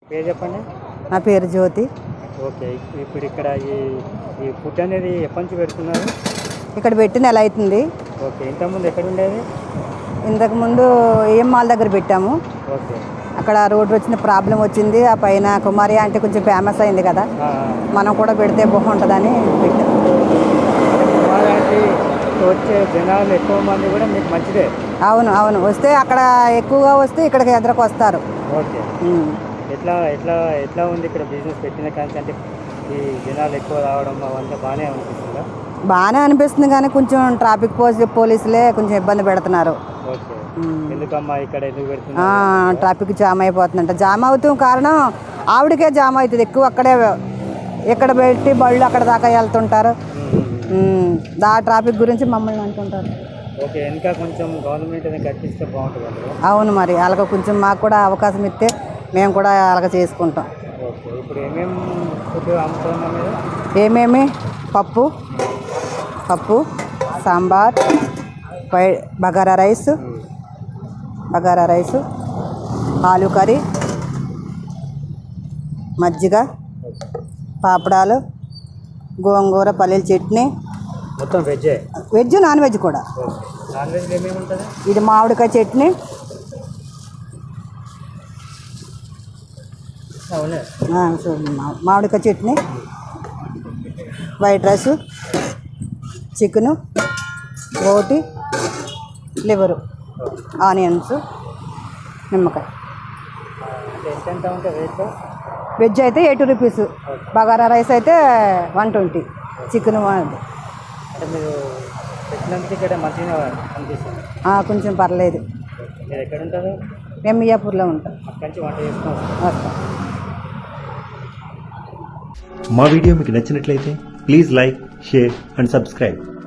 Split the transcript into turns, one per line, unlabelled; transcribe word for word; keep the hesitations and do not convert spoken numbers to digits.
పేరు చెప్పండి.
నా పేరు జ్యోతి.
ఓకే, ఇప్పుడు ఇక్కడ ఈ ఈ ఫుడ్ అనేది ఎప్పటి నుంచి పెడుతున్నారు?
ఇక్కడ పెట్టి నెల అవుతుంది.
ఓకే, ఇంతకుముందు ఎక్కడ ఉండేది?
ఇంతకుముందు ఏఎం మాల్ దగ్గర పెట్టాము.
ఓకే,
అక్కడ రోడ్డు వచ్చిన ప్రాబ్లం వచ్చింది. ఆ పైన కుమారి అంటే కొంచెం ఫేమస్ అయింది కదా, మనం కూడా పెడితే బాగుంటుందని పెట్టాము.
కుమారి అంటే వచ్చే జనాలు ఎక్కువ మంది కూడా మీకు మంచిదే.
అవును అవును, వస్తే అక్కడ ఎక్కువగా వస్తే ఇక్కడికి ఎదురుకు వస్తారు.
ఓకే, ఎట్లా ఎట్లా ఎట్లా ఉంది ఇక్కడ బిజినెస్ పెట్టిన కానీ అంటే ఈ జనాలు ఎక్కువ రావడం అవంతా బాగానే అనిపిస్తుందా?
బాగానే అనిపిస్తుంది కానీ కొంచెం ట్రాఫిక్ పోలీసు పోలీసులే కొంచెం ఇబ్బంది పెడుతున్నారు.
ఓకే, ఎందుకమ్మా ఇక్కడ ఎందుకు పెడుతున్నారు?
Traffic jam అయిపోతుందంట. జామ్ అవుతాం కారణం ఆవిడకే జామ్ అవుతుంది ఎక్కువ. అక్కడే ఇక్కడ పెట్టి బళ్ళు అక్కడ దాకా వెళ్తుంటారు. దా ట్రాఫిక్ గురించి మమ్మల్ని అంటుంటారు.
ఓకే, ఇంకా కొంచెం గవర్నమెంట్ కట్టిస్తే బాగుంటుంది.
అవును, మరి అలాగ కొంచెం మాకు కూడా అవకాశం ఇస్తే మేము కూడా అలాగ చేసుకుంటాం.
ఓకే, ఇప్పుడు ఏమేమి ఫుడ్ అమ్ముతున్నాం మీరు?
ఏమేమి పప్పు పప్పు సాంబార్, పై బగారా రైస్ బగారా రైసు ఆలు కర్రీ, మజ్జిగ, పాపడాలు, గోంగూర, పల్లీల చట్నీ.
మొత్తం వెజ్?
వెజ్, నాన్ వెజ్ కూడా.
నాన్ వెజ్ ఏమేమి ఉంటుంది?
ఇది మామిడికాయ చట్నీ, మామిడికాయ చట్నీ, వైట్ రైస్, చికెను, రోటి, లివరు, ఆనియన్స్, నిమ్మకాయ.
ఎంత ఉంటుంది రేట్?
వెజ్ అయితే ఎయిటీ రూపీస్, బగారా రైస్ అయితే వన్ ట్వంటీ, చికెన్
అంటే మీరు పెట్టినందుకు ఇక్కడ మంచిగా అనిపిస్తుంది?
కొంచెం పర్లేదు.
మీరు ఎక్కడ ఉంటారు?
మేము మియాపూర్లో ఉంటాం.
అక్కడి నుంచి వంట చేసుకుని
వస్తాం.
మా వీడియో మీకు నచ్చినట్లయితే please like, share and subscribe.